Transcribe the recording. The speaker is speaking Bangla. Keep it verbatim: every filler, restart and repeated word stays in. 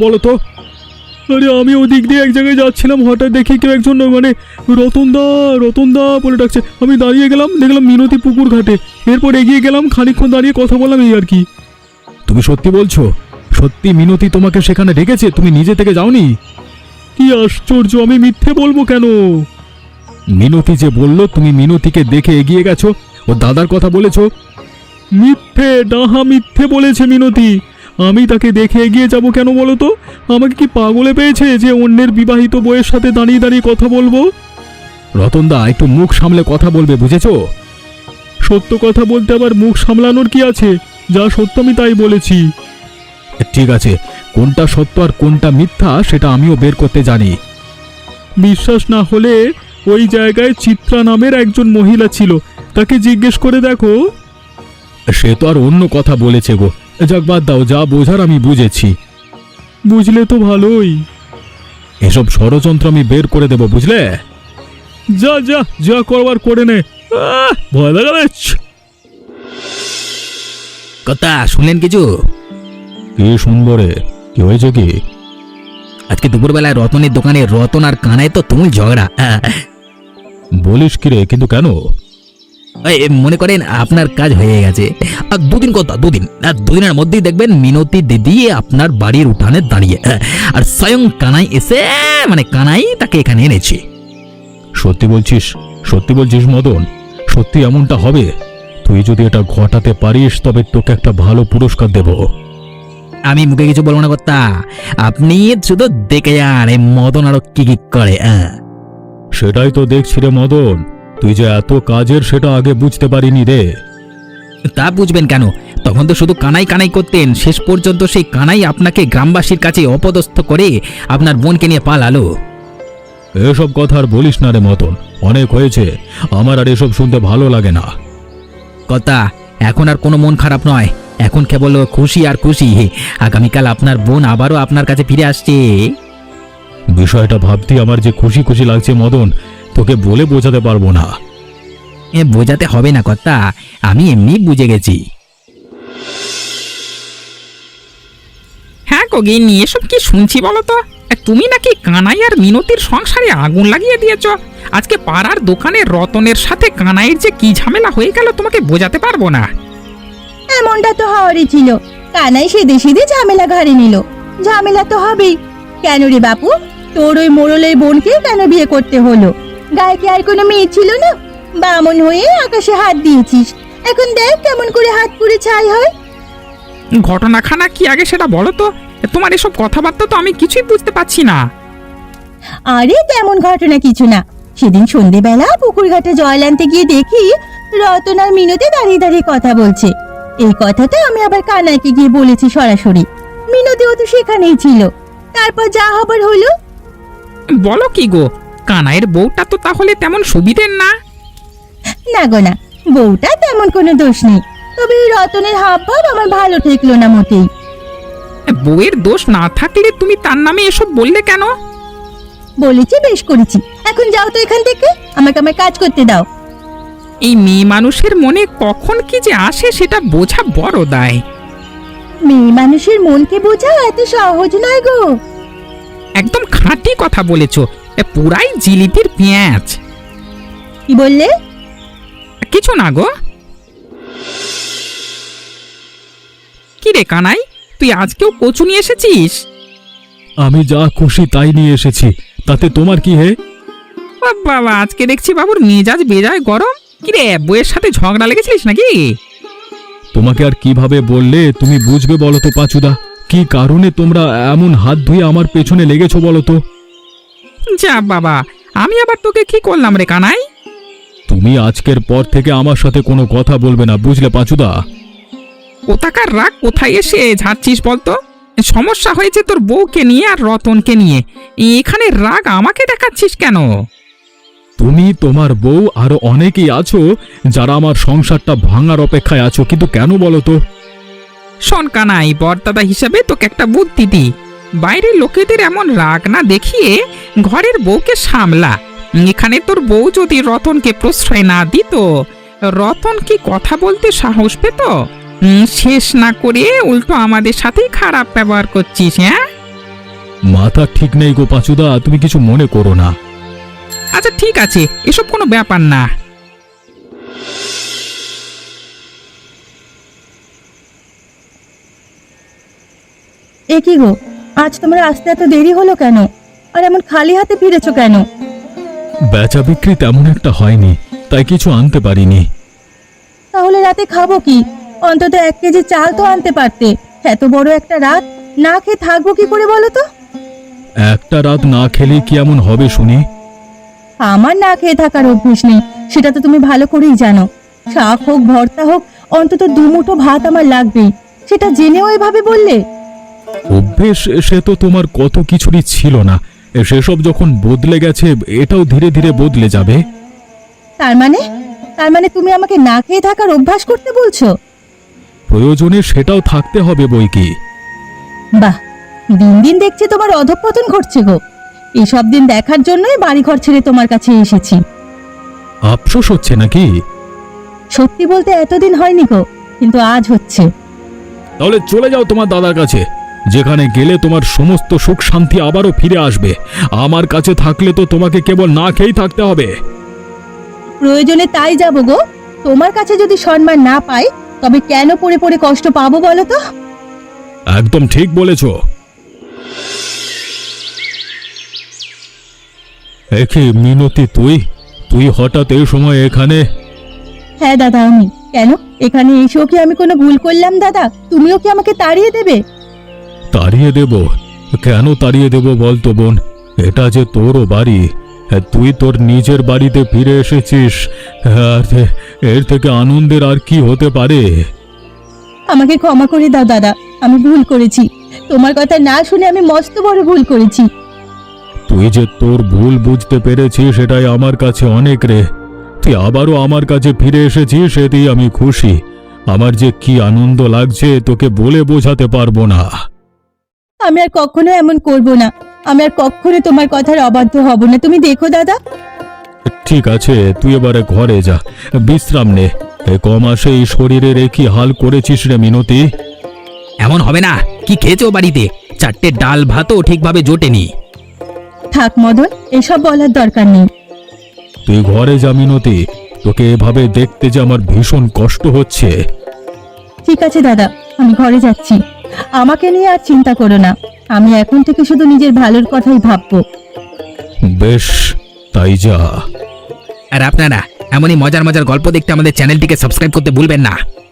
বলো তো? আরে আমি ওদিক দিয়ে এক জায়গায় যাচ্ছিলাম, হঠাৎ দেখি কেউ একজন মানে রতনদা রতনদা বলে ডাকছে। আমি দাঁড়িয়ে গেলাম, দেখলাম মিনতি পুকুর ঘাটে। এরপর এগিয়ে গেলাম, খানিকক্ষণ দাঁড়িয়ে কথা বললাম, এই আর কি। তুমি সত্যি বলছো? সত্যি মিনতি তোমাকে সেখানে ডেকেছে? তুমি নিজে থেকে যাওনি? কি আশ্চর্য, আমি মিথ্যে বলবো কেন? মিনতি যে বললো তুমি মিনতিকে দেখে এগিয়ে গেছো, ও দাদার কথা বলেছো। মিথ্যে, ডাহা মিথ্যে বলেছে মিনতি। আমি তাকে দেখে এগিয়ে যাব কেন বলো তো? আমাকে কি পাগলে পেয়েছে যে অন্যের বিবাহিত বউয়ের সাথে দাঁড়িয়ে দাঁড়িয়ে কথা বলবো? রতনদা, একটু মুখ সামলে কথা বলবে, বুঝেছো? সত্য কথা বলতে আবার মুখ সামলানোর কি আছে? যা সত্য আমি তাই বলেছি। ঠিক আছে, কোনটা সত্য আর কোনটা মিথ্যা সেটা আমিও বের করতে জানি। বিশ্বাস না হলে ওই জায়গায় চিত্রা নামের একজন মহিলা ছিল, তাকে জিজ্ঞেস করে দেখো। সে তো আর অন্য কথা বলেছে গো। যাক, বাদ দাও, যা বোঝার আমি বুঝেছি। বুঝলে তো ভালোই। এসব ষড়যন্ত্র আমি বের করে দেব, বুঝলে? যা যা যা করবার করে নে। ভয় লাগাচ্ছে। কথা শুনলেন কিছু? কি শুনবো রে? কি হয়েছে কি? আজকে দুপুরবেলায় রতনের দোকানে রতন আর কানায় তো তুমুল ঝগড়া। বলিস কি রে? কিন্তু কেন? মনে করেন আপনার কাজ হয়ে গেছে, আর দুদিন কথা দুদিন আর দুদিনের মধ্যেই দেখবেন মিনতি দিদি আপনার বাড়ির উঠানে দাঁড়িয়ে, আর স্বয়ং কানাই এসে মানে কানাই তাকে এখানে এনেছে। সত্যি বলছিস? সত্যি বলছিস মদন? সত্যি এমনটা হবে? তুই যদি এটা ঘটাতে পারিস তবে তোকে একটা ভালো পুরস্কার দেব। আমি মুখে কিছু বলবো না কর্তা, আপনি শুধু দেখে যান এই মদন আরো কি কি করে। সেটাই তো দেখছি রে মদন, তুই যে এত কাজের সেটা আগে বুঝতে পারিনি রে। তা বুঝবেন কেন? তখন তো শুধু কানাই কানাই করতেন, শেষ পর্যন্ত সেই কানাই আপনাকে গ্রামবাসীর কাছে অপদস্থ করে আপনার বোনকে নিয়ে পালালো। এসব কথা আর বলিস না রে মদন, অনেক হয়েছে। আমার আর এসব শুনতে ভালো লাগে না। কথা, এখন আর কোনো মন খারাপ নয়, এখন কেবল খুশি আর খুশি। আগামীকাল আপনার বোন আবারও আপনার কাছে ফিরে আসছে। বিষয়টা ভাবতে আমার যে খুশি খুশি লাগছে মদন, তোকে বলে বোঝাতে পারবো না। এ বোঝাতে হবে না কর্তা, আমি এমনি বুঝে গেছি। হ্যাঁ গিন্নি, এসব কি শুনছি বলো তো? তুমি নাকি কানাই আর মিনতির সংসারে আগুন লাগিয়ে দিয়েছ। আজকে পাড়ার দোকানে রতনের সাথে কানাইয়ের যে কি ঝামেলা হয়ে গেল তোমাকে বোঝাতে পারবো না। এমনটা তো হওয়ারই ছিল, কানাই সেদে সেদে ঝামেলা ঘাড়ে নিল। ঝামেলা তো হবেই। কেন রে বাপু, তোর ওই মোড়লের বোনকে কেন বিয়ে করতে হলো? গায়ে কি আর কোনো মেয়ে ছিল না? বামন হয়ে আকাশে হাত দিয়েছিস, এখন দেখ কেমন করে হাত পুড়ে ছাই হয়। ঘটনাখানা কি আগে সেটা বলো তো? তোমার এসব কথাবার্তা তো আমি কিছুই বুঝতে পারছি না। আরে তেমন ঘটনা কিছু না। সেদিন সন্ধেবেলা পুকুর ঘাটে জল আনতে গিয়ে দেখি রতন আর মিনতি দাঁড়িয়ে দাঁড়িয়ে কথা বলছে। এই কথাটা আমি আবার কানাইকে গিয়ে বলেছি সরাসরি। মিনতিও তো সেখানেই ছিল। তারপর যা হবার হলো। বলো কি গো, কানাইয়ের বউটা তো তাহলে তেমন সুবিধের না? না গো না, বউটা তেমন কোনো দোষ নেই, তবে এই রতনের হাব ভাব আমার ভালো ঠেকলো না মোটেই। বউয়ের দোষ না থাকলে তুমি তার নামে এসব বললে কেন? বলেছি, বেশ করেছি। এখন যাও তো এখান থেকে, আমাকে আমার কাজ করতে দাও। এই মেয়ে মানুষের মনে কখন কি যে আসে সেটা বোঝা বড় দায়। মেয়ে মানুষের মনকে বোঝা এত সহজ নয় গো। একদম খাঁটি কথা বলেছ, পুরাই জিলিপির পেঁয়াজ। কি বললে? কিছু না গো। কি রে কানাই, তুই আজকেও কচু নিয়ে এসেছিস? আমি যা খুশি তাই নিয়ে এসেছি, তাতে তোমার কি হে? বাবা, আজকে দেখছি বাবুর মেজাজ বেজায় গরম। কি রে, বউয়ের সাথে ঝগড়া লেগেছিলিস নাকি? তোমাকে আর কিভাবে বললে তুমি বুঝবে বলো তো পাঁচুদা? কি কারণে তোমরা এমন হাত ধুয়ে আমার পেছনে লেগেছো বলো তো? যা বাবা, আমি আবার তোকে কি করলাম রে কানাই? তুমি আজকের পর থেকে আমার সাথে কোনো কথা বলবে না, বুঝলে পাঁচুদা? কোথাকার রাগ কোথায় এসে ঝাড়ছিস বলতো? সমস্যা হয়েছে তোর বউকে নিয়ে আর রতনকে নিয়ে, এখানে রাগ আমাকে দেখাচ্ছিস কেন? তুমি, তোমার বউ, আরো অনেকেই আছো যারা আমার সংসারটা ভাঙার অপেক্ষায় আছো, কিন্তু কেন বলো তো? শোন কানাই, বরদাদা হিসাবে তোকে একটা বুদ্ধি দি। বাইরের লোকেদের এমন রাগ না দেখিয়ে ঘরের বউকে সামলা। এখানে তোর বউ যদি রতনকে প্রশ্রয় না দিত, রতন কি কথা বলতে সাহস পেত? শেষ না করে উল্টো আমাদের সাথেই খারাপ ব্যবহার করছিস। হ্যাঁ, মাথা ঠিক নেই গো পাঁচুদা, তুমি কিছু মনে করো না। আচ্ছা ঠিক আছে, এসব কোনো ব্যাপার না। এ কি গো, আজ তোমার আসতে এত দেরি হলো কেন? আর এমন খালি হাতে ফিরেছো কেন? বেচা বিক্রি তেমন একটা হয়নি, তাই কিছু আনতে পারিনি। তাহলে রাতে খাবো কি? অন্তত এক কেজি চাল তো আনতে পারতে। এত বড় একটা রাত না খেয়ে থাকবো কি করে বলো তো? একটা রাত না খেলে কি এমন হবে শুনি? আমার না খেয়ে থাকার অভ্যেস নেই, সেটা তো তুমি ভালো করেই জানো। শাক হোক ভর্তা হোক, অন্তত দুমুঠো ভাত আমার লাগবেই। সেটা জেনেও এভাবে বললে? অভ্যেস সে তো তোমার কত কিছুরই ছিল না, সেসব যখন বদলে গেছে এটাও ধীরে ধীরে বদলে যাবে। তার মানে তার মানে তুমি আমাকে না খেয়ে থাকার অভ্যাস করতে বলছো? প্রয়োজনে সেটাও থাকতে হবে বই কি। বাহ, দিন দিন দেখছি তোমার অধঃপতন ঘটছে গো। এইসব দিন দেখার জন্যই বাড়িঘর ছেড়ে তোমার কাছে এসেছি। আফসোস হচ্ছে নাকি? সত্যি বলতে এতদিন হয়নি গো, কিন্তু আজ হচ্ছে। তাহলে চলে যাও তোমার দাদার কাছে, যেখানে গেলে তোমার সমস্ত সুখ শান্তি আবারও ফিরে আসবে। আমার কাছে থাকলে তো তোমাকে কেবল না খেয়েই থাকতে হবে। প্রয়োজনে তাই যাবো গো। তোমার কাছে যদি সম্মান না পাই, তবে কেন পড়ে পড়ে কষ্ট পাবো বলো তো? একদম ঠিক বলেছ। একে মিনতি, তুই তুই হঠাৎ এই সময় এখানে? হ্যাঁ দাদা, আমি কেন এখানে এসেও কি আমি কোনো ভুল করলাম দাদা? তুমিও কি আমাকে তাড়িয়ে দেবে? তাড়িয়ে দেব? কেন তাড়িয়ে দেব বলতো বোন? এটা যে তোরও বাড়ি, তুই তোর নিজের বাড়িতে ফিরে এসেছিস, আর এর থেকে আনন্দের আর কি হতে পারে? আমাকে ক্ষমা করে দাও দাদা, আমি ভুল করেছি। তোমার কথা না শুনে আমি মস্ত বড় ভুল করেছি। তুই যে তোর ভুল বুঝতে পেরেছিস সেটাই আমার কাছে অনেক রে। তুই আবারও আমার কাছে ফিরে এসেছিস, সেটাই আমি খুশি। আমার যে কি আনন্দ লাগছে তোকে বলে বোঝাতে পারবো না। আমি আর কখনো এমন করব না। আমি আর কখনো তোমার কথার অবাধ্য হব না। তুমি দেখো দাদা। ঠিক আছে, তুই এবারে ঘরে যা, বিশ্রাম নে। এ ক মাসে এই শরীরের এ কি হাল করেছিস রে মিনতি? এমন হবে না। কি খেয়েছো বাড়িতে? চারটে ডাল ভাতও ঠিকভাবে জোটেনি। থাক মদন, এসব বলার দরকার নেই। তুই ঘরে যা মিনতি, তোকে এভাবে দেখতে যে আমার ভীষণ কষ্ট হচ্ছে। ঠিক আছে দাদা, আমি ঘরে যাচ্ছি। আমাকে নিয়ে আর চিন্তা করো না। আমি এখন থেকে শুধু নিজের ভালোর কথাই ভাববো। বেশ, তাই যা। আর আপনারা এমনই মজার মজার গল্প দেখতে আমাদের চ্যানেলটিকে সাবস্ক্রাইব করতে ভুলবেন না।